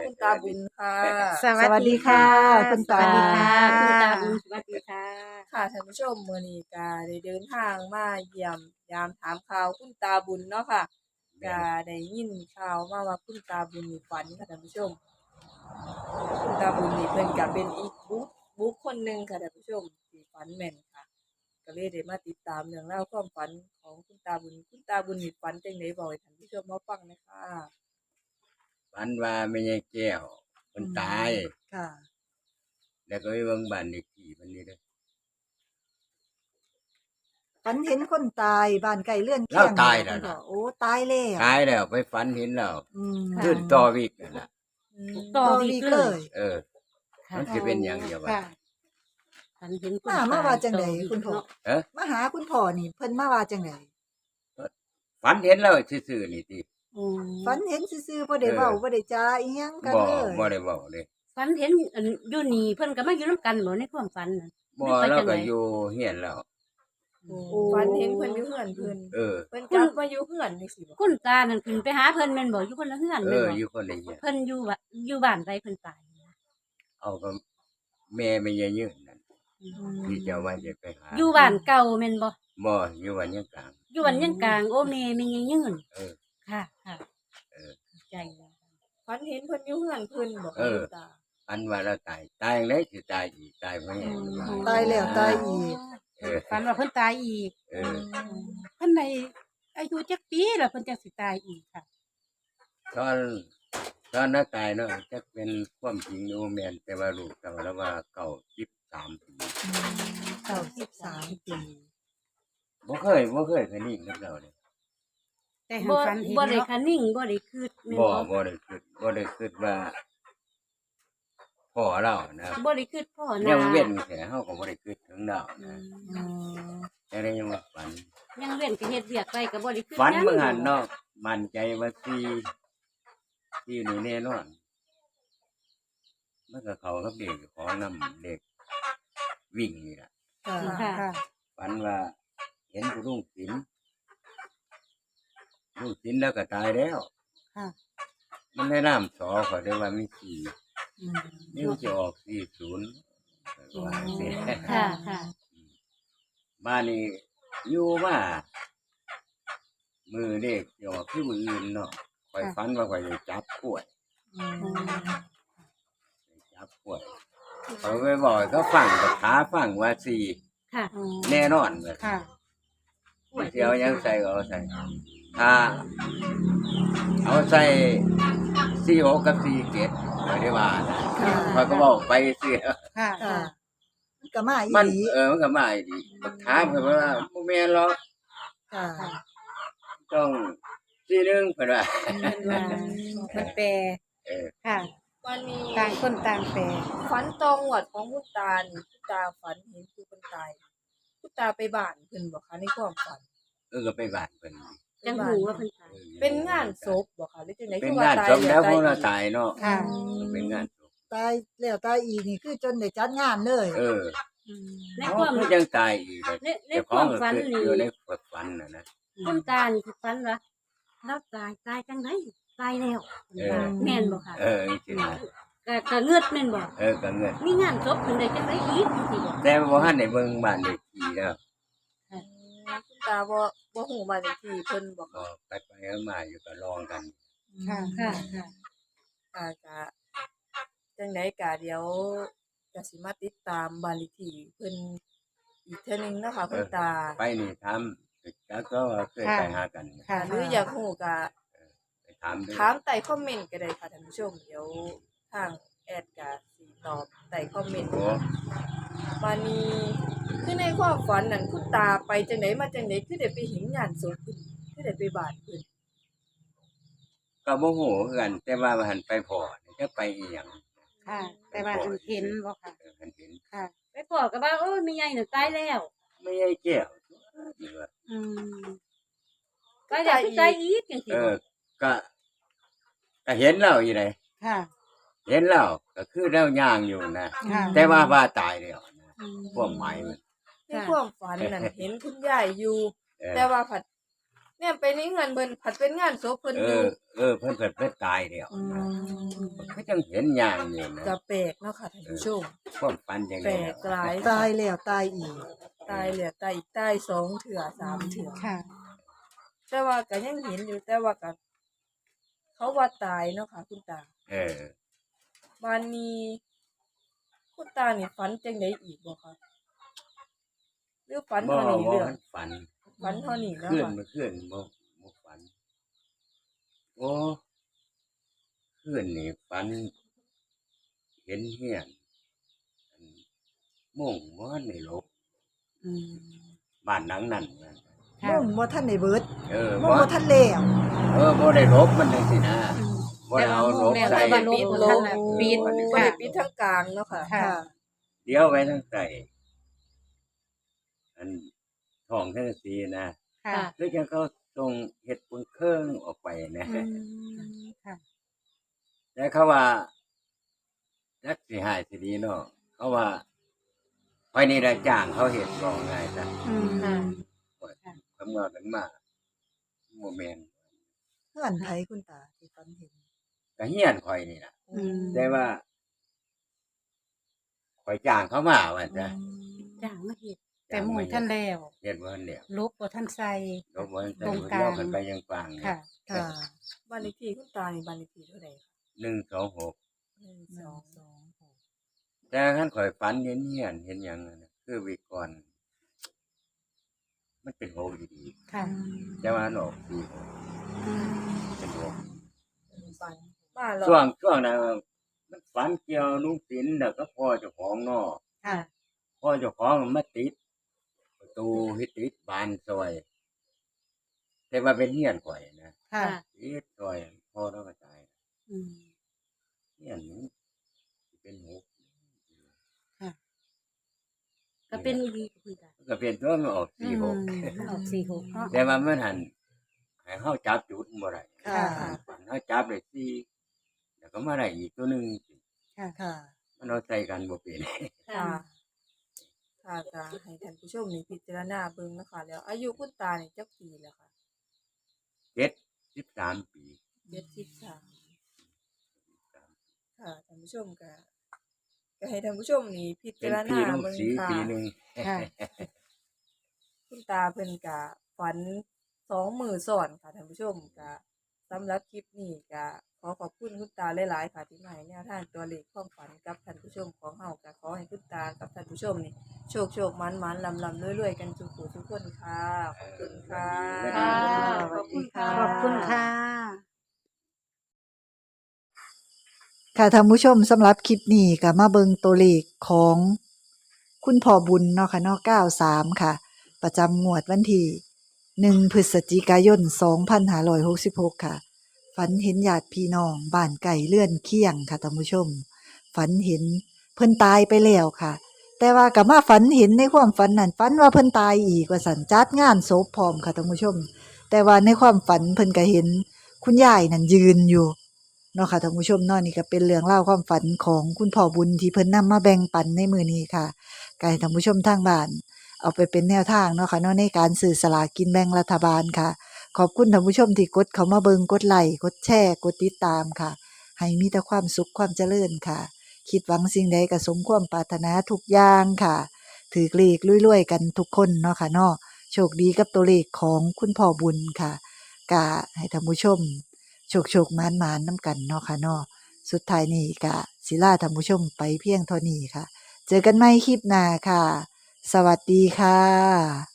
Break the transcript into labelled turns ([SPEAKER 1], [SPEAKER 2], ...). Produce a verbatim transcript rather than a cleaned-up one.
[SPEAKER 1] คุณตาบุญค่ะ
[SPEAKER 2] สวัสดีค่ะ คุณ
[SPEAKER 3] ส
[SPEAKER 2] ตา
[SPEAKER 3] วัสดีค่ะคุณตาบุญสวัสดีค่ะ
[SPEAKER 1] ค่ะท่านผู้ชมมื้อนี้ก็ได้เดินทางมาเยี่ยมยามถามข่าวคุณตาบุญเนาะค่ะก็ได้ยินข่าวมาว่าคุณตาบุญนี่ฝันค่ะท่านผู้ชม คุณตาบุญนี่เพิ่นก็เป็นอีกบุคบุคคลหนึ่งค่ะท่านผู้ชมที่ฝันแม่นค่ะ ก็เลยได้มาติดตามเรื่องราวความฝันของคุณตาบุญ คุณตาบุญนี่ฝันจังได๋บอกให้ท่านผู้ชมมาฟังหน่อยค่ะ
[SPEAKER 4] ฝันว่าแม่ยายแก้วเพิ่นตาย
[SPEAKER 2] ค่ะ
[SPEAKER 4] แล้วก็ไปเบิ่งบ้านเลขที่เพิ่นนี่เด้อ
[SPEAKER 2] ฝันเห็นคนตายบ้านไก่เลื่อน
[SPEAKER 4] แล้ว
[SPEAKER 2] เคียง
[SPEAKER 4] ตายแล้ว
[SPEAKER 2] คุณพ่อ
[SPEAKER 4] นะ
[SPEAKER 2] โอ้ตายแล้ว
[SPEAKER 4] ตายแล้วไปฝันเห็นแล้ว
[SPEAKER 2] อืม
[SPEAKER 3] ค่ะ
[SPEAKER 4] ขึ้นต่อวิกนั่นล่ะ
[SPEAKER 1] อืม
[SPEAKER 3] ต่อ
[SPEAKER 2] ต่อ
[SPEAKER 3] วี
[SPEAKER 2] วี
[SPEAKER 3] ก
[SPEAKER 2] ก
[SPEAKER 3] เล
[SPEAKER 2] เลย ย
[SPEAKER 4] เออ
[SPEAKER 3] ค่ะ
[SPEAKER 4] มันสิเป็นหยังเดียวว่า
[SPEAKER 3] ค่ะฝันเห็นคน
[SPEAKER 2] มามาว่าจังได
[SPEAKER 3] ตย
[SPEAKER 2] คุณพ่อ
[SPEAKER 3] เนาะ
[SPEAKER 4] เอ๊ะ
[SPEAKER 2] มาหาคุณพ่อนี่เพิ่นมาว่าจังได
[SPEAKER 4] ฝันเห็นแล้วซื่อๆนี่ติ
[SPEAKER 3] อืม
[SPEAKER 2] ฝันเห็นซื่อๆบ่ได้
[SPEAKER 4] เออ
[SPEAKER 2] เว้าบ่ได้จาอีหยังกัน
[SPEAKER 4] บ่
[SPEAKER 2] เลย
[SPEAKER 4] บ่ได้เว้าเลย
[SPEAKER 3] ฝันเห็นอันอยู่นี่เพิ่นก็มาอยู่นํกันบ่ในความฝันน่ะ
[SPEAKER 4] บ่
[SPEAKER 3] ไม่ไป
[SPEAKER 4] เรา
[SPEAKER 3] จังไหน
[SPEAKER 4] ก็อยู่เฮียนแล้ว
[SPEAKER 1] ฝันเห็นเพิ่นอยู่เฮือนเพิ่น
[SPEAKER 4] เออ
[SPEAKER 1] เพิ่นกลับมาอยู่เฮือนจังซี่บ่
[SPEAKER 3] คุณตานั่นขึ้นไปหาเพิ่นแม่นบ่อยู่คนละเฮือน
[SPEAKER 4] เอ
[SPEAKER 3] แม่น
[SPEAKER 4] อ
[SPEAKER 3] บ่
[SPEAKER 4] อยู่คนละเฮียน
[SPEAKER 3] เพิ่นอยู่ว่าอยู่บ้านใดเพิ่นตายนะ
[SPEAKER 4] เอาก็แม่แม่ยายยืนนั่น
[SPEAKER 3] อืม
[SPEAKER 4] ที่เจ้าว่าจะไปหา
[SPEAKER 3] อยู่บ้านเก่าแม่นบ่
[SPEAKER 4] บ่อยู่วันยังกลาง
[SPEAKER 3] อยู่บ้านยังกลางโอ้แม่แม่ยังยืน
[SPEAKER 4] เออ
[SPEAKER 3] ค่ะค่ะ
[SPEAKER 4] เออ
[SPEAKER 3] ใจแล้ว
[SPEAKER 1] ฝันเห็นเพิ่นอยู่เฮือนเพิ่นบ่
[SPEAKER 4] เอ
[SPEAKER 1] คะ
[SPEAKER 4] อ
[SPEAKER 1] คุณตา
[SPEAKER 4] ฝันว่าเราตายตายจังได๋สิตายอีกตายบ่แห้ง
[SPEAKER 2] ตายแล้วตายอีก
[SPEAKER 4] เออ
[SPEAKER 5] ฝันว่าเพิ่นตายอีก
[SPEAKER 4] เออ
[SPEAKER 5] เพิ่นได้อายุจักปีแล้วเพิ่นจักสิตายอีกค่ะ
[SPEAKER 4] ตอนตอนนั้นตายเนาะจะเป็นความจริงอยู่แม่นแต่ว่าลูกแต่ว่าว่าเก่าสิบสามปี
[SPEAKER 2] เก้าสิบสามปี
[SPEAKER 4] บ่เคยบ่เคยเคยนิ่งกับเราเลย
[SPEAKER 5] แต่หั
[SPEAKER 3] บ่
[SPEAKER 5] นฝันเห็น
[SPEAKER 3] บ่ได้
[SPEAKER 5] เนาะ
[SPEAKER 3] คะนิ่งบ่ได้คืดแม่น
[SPEAKER 4] บ่
[SPEAKER 3] บ่
[SPEAKER 4] บ่ได้คิดบ่ได้คิดว่าพ่อเรานะ
[SPEAKER 3] บ่ได้คืดพ่อนา
[SPEAKER 4] ยังเว้นแค่เฮาก็บ่ได้คิดถึงเรา
[SPEAKER 3] อื
[SPEAKER 4] นะ
[SPEAKER 3] ม
[SPEAKER 2] อืม
[SPEAKER 4] แต่ได้ยังว่าฝัน
[SPEAKER 3] ยังเว้นก็เฮ็ดเวียกไปก็บ่ได้คืด
[SPEAKER 4] ฝัน
[SPEAKER 3] หยัง
[SPEAKER 4] เมื่อหันเนาะมั่นใจว่าสิที่นี่แน่นอนมันก็เข้ากับเด็กของนำเด็กวิ่งนี่ล่ะ
[SPEAKER 2] ค่ะ
[SPEAKER 3] ค่ะ
[SPEAKER 5] ค่ะ
[SPEAKER 4] ฝันว่าเห็นผู้ลุงศิลป์ลุงศิลป์แล้วก็ตายแล้ว
[SPEAKER 5] ค่ะ
[SPEAKER 4] มันได้น้ำสอเขาได้ว่ามีสี่
[SPEAKER 2] อืม
[SPEAKER 4] นิ้วจะออกสี่ศูนย์ว่าเสีย
[SPEAKER 3] ค่ะค่ะ
[SPEAKER 4] บ้านนี้อยู่มามือเด็กจะออกที่มืออื่นเนาะคอยฝันว่าคอยจะจับกล้วย
[SPEAKER 2] อืม
[SPEAKER 4] จับกล้วยเขาไปบอกให้เขาฟังกับขาฟังว่าสี่
[SPEAKER 3] ค่ะ
[SPEAKER 5] อืม
[SPEAKER 4] แน่นอนเลย
[SPEAKER 5] ค่ะ
[SPEAKER 4] ไม่เที่ยวยังใส่ก็เอาใส่ถ้าเอาใส่สี่หกกับสี่เจ็ดไม่ได้ว่านะ
[SPEAKER 2] ค่ะ
[SPEAKER 4] คอยก็บอกไปเสีย
[SPEAKER 5] ค่ะ
[SPEAKER 2] ค่ะมันก็มาอี
[SPEAKER 4] มัน
[SPEAKER 2] หลี
[SPEAKER 4] เออมันก็มาอีดีถามเพิ่นว่าบ่แม่นหรอก
[SPEAKER 2] ค่ะ
[SPEAKER 4] ต้องสี่หนึ่งเพิ่นว่า
[SPEAKER 5] เพิ่นว่าเพิ่นแปล
[SPEAKER 4] เออ
[SPEAKER 5] ค่ะ
[SPEAKER 1] วันนี้
[SPEAKER 5] ต่างคนต่างแปล
[SPEAKER 1] ฝันตองหวดของคุณตานี่คุณตาฝันเห็นผู้คนตายคุณตาไปบ้านเพิ่นบ่คะในความฝัน
[SPEAKER 4] เออก็ไปบ้านเพิ่น
[SPEAKER 3] จังหูว่าเพิ่นตาย
[SPEAKER 4] ออ
[SPEAKER 1] เป็นงานศพบ่คะหรือจังได๋
[SPEAKER 4] เป็น
[SPEAKER 1] คือว่
[SPEAKER 4] งาน
[SPEAKER 1] ตาย
[SPEAKER 4] ศพแล้วพวกเรา
[SPEAKER 1] อีก
[SPEAKER 4] ตายเนาะ
[SPEAKER 5] ค่ะ
[SPEAKER 4] เป็นงานศพ
[SPEAKER 2] ตายแล้วตายอีกนี่คือจนได้จัดงานเลย
[SPEAKER 4] เออ
[SPEAKER 5] อืม
[SPEAKER 3] ใน
[SPEAKER 4] เขา
[SPEAKER 3] ความ
[SPEAKER 4] คือยังตายอีกเลย
[SPEAKER 3] ในใน
[SPEAKER 4] เจ้า
[SPEAKER 3] ค
[SPEAKER 4] ของ
[SPEAKER 3] วาม
[SPEAKER 4] ก็
[SPEAKER 3] ฝัน
[SPEAKER 4] คือ
[SPEAKER 3] นี่
[SPEAKER 4] อยู่ในฝันน่ะนะ
[SPEAKER 3] คุณตานี่คือฝันว่าเราตายตายจังไดตายแล้วเพิ่นว่าแม่นบ่ค่ะ
[SPEAKER 4] เออจริงๆนะ
[SPEAKER 3] ก็ก็เงือดแม่นบ่
[SPEAKER 4] เออก็เงิน
[SPEAKER 3] มีงานศพเพิ่นได้จังไดอีกจังซี่บ่
[SPEAKER 4] แต่บ่ทันได้เบิ่งบ้านเลขที่แล้ว
[SPEAKER 1] อืมคุณตาบ่บ่ฮู้บ้านเลขที่เพิ่นบ่
[SPEAKER 4] ก็
[SPEAKER 1] คะ
[SPEAKER 4] ไปๆมาอยู่ก็ลองกัน
[SPEAKER 5] ค่ะ
[SPEAKER 3] ค่ะค่ะ
[SPEAKER 1] ค่ะก็จังได๋ก็เดี๋ยวก็สิมาติดตามบ้านเลขที่เพิ่นอีกเทื่อนึงเนาะค่ะคุณตา
[SPEAKER 4] ไปนี่ถามก็ก็เคยไปหากัน
[SPEAKER 5] ค่ะ
[SPEAKER 1] หรืออยากฮู้ก็
[SPEAKER 4] ไปถามดู
[SPEAKER 1] ถามใต้คอมเมนต์ก็ได้ค่ะท่านผู้ชม เดี๋ยวทางแอดก็สิตอบใต้คอมเมนต์
[SPEAKER 4] โอ้
[SPEAKER 1] วันนี้คือในความฝันนั่นคุณตาไปจังไดมาจังไดคือได้ไปเห็นงานศพเพิ่นคือได้ไปบ้านเพิ่น
[SPEAKER 4] ก็บ่ฮู้คือกัน แต่ว่ามันหันไปพอนี่จะไปอีหยัง
[SPEAKER 5] ค่ะ แต่ว่าเพิ่นเห็นบ่ค่ะ
[SPEAKER 4] เออเพิ่นเห็น
[SPEAKER 5] ค่ะ
[SPEAKER 3] ไปพ่อก็ว่าโอ้ยแม่ใหญ่น่ะตายแล้ว
[SPEAKER 4] ไม่ใช่แก้วนี่ว่า
[SPEAKER 5] อืม
[SPEAKER 3] ตายแล้วคือตายอีกจังซี่
[SPEAKER 4] เอ
[SPEAKER 3] บ่
[SPEAKER 4] อ ก็ก็เห็นแล้วอยู่ไหน
[SPEAKER 5] ค่ะ
[SPEAKER 4] เห็นแล้วก็คือแล้วย่างอยู่นะ
[SPEAKER 5] ค่ะ
[SPEAKER 4] แต่ว่าว่าตายแล้วนะ
[SPEAKER 5] อืม
[SPEAKER 4] ความหมายมัน
[SPEAKER 1] ในความฝันนั่นเห็นคุณยายอยู่
[SPEAKER 4] เออ
[SPEAKER 1] แต่ว่าผัดในเนี่ยไปในเฮือนเพิ่นผัดเป็นงานศพเพิ่น
[SPEAKER 4] เอ
[SPEAKER 1] อยู่
[SPEAKER 4] อ เออเพิ่นเพิ่นเพิ่นตายแล้ว
[SPEAKER 2] อืม
[SPEAKER 4] ก็จังเห็นอย่างนี้นะ
[SPEAKER 1] ก็แปลกเนาะค่ะท่านผู้ชม
[SPEAKER 4] ความฝันจัง
[SPEAKER 1] แป
[SPEAKER 4] ได๋
[SPEAKER 1] ลกหลาย
[SPEAKER 2] ตายแล้วตายอีก
[SPEAKER 1] ตายแล้วตายอีกตายสองเถื่อสามเถื่อ
[SPEAKER 5] ค่ะ
[SPEAKER 1] แต่ว่าก็ยังเห็นอยู่แต่ว่าก็เขาว่าตายเนาะค่ะคุณตา
[SPEAKER 4] เออ
[SPEAKER 1] บ้านนี้คุณตานี่ฝันจังไดอีกบ่คะหรือฝัน
[SPEAKER 4] บ่
[SPEAKER 1] เท่านี้
[SPEAKER 4] บ่
[SPEAKER 1] เรื่อง
[SPEAKER 4] มันฝัน
[SPEAKER 1] ฝันเท่านี้เนาะ
[SPEAKER 4] ขึ้น
[SPEAKER 1] ค่ะ
[SPEAKER 4] เมื่อคืนบ่บ่ฝัน โอ้คืนนี่ฝัน เห็นเฮียนอันมุ่งบ่ทันได้ลบ
[SPEAKER 5] อืม
[SPEAKER 4] บ้านหลังนั้นนะ
[SPEAKER 5] ค่ะ
[SPEAKER 2] มุ่งบ่ทันได้เบิด
[SPEAKER 4] เออ
[SPEAKER 2] มุ่ง
[SPEAKER 4] บ่
[SPEAKER 2] บ่ทันแล้ว
[SPEAKER 4] เออบ่ได้ลบมันจังซี่นะ
[SPEAKER 5] อืม
[SPEAKER 4] บ่ได้เอาลบ
[SPEAKER 5] แต่
[SPEAKER 4] ใส่
[SPEAKER 5] ว่าลบบ่ทันน่ะปิด
[SPEAKER 1] บ่
[SPEAKER 5] ค่ะ
[SPEAKER 1] ได้ปิดทางกลางเนาะค่ะ
[SPEAKER 5] ค่ะ
[SPEAKER 2] ค่ะ
[SPEAKER 4] เดี๋ยวไว้ทั้งใส่อันท้องทั้งสีนะ
[SPEAKER 5] ค่ะ
[SPEAKER 4] คือจังเขาส่งเฮ็ดปุนเครื่องออกไปนะ
[SPEAKER 5] อืมค่ะ
[SPEAKER 4] แต่เขาว่าจักสิหายสิดีเนาะเขาว่าภายในได้จ้างเขาเฮ็ดบ่ง่ายจ้ะ
[SPEAKER 5] อืม
[SPEAKER 3] ค่ะ
[SPEAKER 4] คำว่ากันมาบ่แม่น
[SPEAKER 2] เพื่อนไผคุณตาที่ฝันเห็น
[SPEAKER 4] ก็เฮียนข่อยนี่ล่ะ
[SPEAKER 5] อืม
[SPEAKER 4] แต่ว่าข่อยจ้างเขามาว่าจ้ะ
[SPEAKER 3] จ้างมาเฮ็ด
[SPEAKER 5] แต่หมู่ท่านแล้ว
[SPEAKER 4] เฮ็ดบ่ทันแล้ว
[SPEAKER 5] ลบบ่ท่านใส่
[SPEAKER 4] ลบบ่ทัน
[SPEAKER 5] ตรงกลาง
[SPEAKER 4] เลี้ยวกันไปยังฟัง
[SPEAKER 5] ค่ะ
[SPEAKER 2] ค่ะ
[SPEAKER 1] บ้านเลขที่คุณตานี่บ้านเลขที่เท่าใดคะ
[SPEAKER 4] หนึ่งสองหก
[SPEAKER 1] หนึ่ง
[SPEAKER 2] ห
[SPEAKER 1] ส
[SPEAKER 2] นึ่
[SPEAKER 1] อง ง
[SPEAKER 2] สองหก
[SPEAKER 4] แต่คันข่อยฝันเห็นเฮียนเห็นหยังนั่นน่ะคือวิกรมันเป็นโหดี
[SPEAKER 5] ค่ะ
[SPEAKER 4] ๆแต่ว่ามันออกดี
[SPEAKER 5] อืม
[SPEAKER 4] เป็นโห
[SPEAKER 1] ฝันมาแล้ว
[SPEAKER 4] ช่วงช่วงนั้นมันฝันเกี่ยวลุงศิลป์แล้วก็พ่อเจ้าของเนาะ
[SPEAKER 5] ค่ะ
[SPEAKER 4] พ่อเจ้าของมันมาติด ประตูเฮ็ดติดบานซอย แต่ว่าเป็นเฮียนข่อยนะ
[SPEAKER 5] ค่ะ
[SPEAKER 4] ติดซอยพ่อเราก็ตาย
[SPEAKER 5] อืม
[SPEAKER 4] เฮียนนี้สิเป็นหก
[SPEAKER 3] ก็เป็นอีหลีคุณตา
[SPEAKER 4] ก็เป็นตัวมันออกสี่หก
[SPEAKER 5] อืมมันออกสี่หกเนาะ
[SPEAKER 4] แต่ว่ามันหันให้เฮาจับจุดบ่ได้
[SPEAKER 2] ค่ะ
[SPEAKER 4] ฝันเฮาจับได้สี่แล้วก็มาได้อีกตัวหนึง
[SPEAKER 5] ค่ะ
[SPEAKER 2] ค่ะ
[SPEAKER 4] มันเอาใส่กันบ่เป็น
[SPEAKER 1] ค่ะ ค่ะก็ให้ท่านผู้ชมนี่พิจารณาเบิ่งเนาะคะแล้ว อายุคุณตานี่จักปีแล้วค่ะ
[SPEAKER 4] เจ็ดสิบสามปี
[SPEAKER 1] เจ็ดสิบสามค่ะท่านผู้ชมก็ก็ให้ท่านผู้ชมนี่พิ
[SPEAKER 4] เป็
[SPEAKER 1] จาน ร
[SPEAKER 4] ปี
[SPEAKER 1] ณา
[SPEAKER 4] ลุง
[SPEAKER 1] เบิ่ง
[SPEAKER 4] สี
[SPEAKER 1] ค่ะ
[SPEAKER 4] ปีหนึง
[SPEAKER 5] ค่ะ
[SPEAKER 1] คุณตาเพิ่นก็ฝันสองมื้อซ้อนค่ะท่านผู้ชมก็สำหรับคลิปนี้ก็ขอขอบคุณคุณตาหลายๆค่ะที่มาให้แนวทางตัวเลขความฝันกับท่านผู้ชมของเฮาก็ขอให้คุณตากับท่านผู้ชมนี่โชคโชคมันมันลำลำรวยๆกันทุกผู้ทุกคนค่ะขอบคุณค่ะ
[SPEAKER 3] ค่ะ
[SPEAKER 2] ขอบคุณค่ะ
[SPEAKER 5] ขอบคุณค่ะ
[SPEAKER 2] ค่ะท่านผู้ชมสำหรับคลิปนี้ก็มาเบิงตัวเลขของคุณพ่อบุญเนาะค่ะเนาะเก้าสามค่ะ ประจำงวดวันที่หนึ่งพฤศจิกายนสองพันห้าร้อยหกสิบหกค่ะ ฝันเห็นญาติพี่น้องบ้านไก่เลื่อนเคียงค่ะท่านผู้ชม ฝันเห็นเพิ่นตายไปแล้วค่ะ แต่ว่าก็มาฝันเห็นในความฝันนั้นฝันว่าเพิ่นตายอีกว่าสันจัดงานศพพร้อมค่ะท่านผู้ชม แต่ว่าในความฝันเพิ่นก็เห็นคุณยายนั่นยืนอยู่เนาะค่ะท่านผู้ชมเนาะนี่ก็เป็นเรื่องเล่าวความฝันของคุณพ่อบุญที่เพิ่นนำมาแบ่งปันในมื้อนี้ค่ะก็ให้ท่านผู้ชมทางบ้านเอาไปเป็นแนวทางเนาะค่ะเนาะในการซื้อสลากกินแบ่งรัฐบาลค่ะ ขอบคุณท่านผู้ชมที่กดเข้ามาเบิงกดไลค์กดแชร์กดติดตามค่ะ ให้มีแต่ความสุขความเจริญค่ะ คิดหวังสิ่งใดก็สมความปรารถนาทุกอย่างค่ะ ถือเลขรวยๆกันทุกคนเนาะค่ะเนาะโชคดีกับตัวเลขของคุณพ่อบุญค่ะกะให้ท่านผู้ชม โชคโชคมานมานน้ำกันเนาะค่ะเนาะสุดท้ายนี้กะศิลาท่านผู้ชมไปเพียงเท่านี้ค่ะ เจอกันใหม่คลิปหน้าค่ะ สวัสดีค่ะ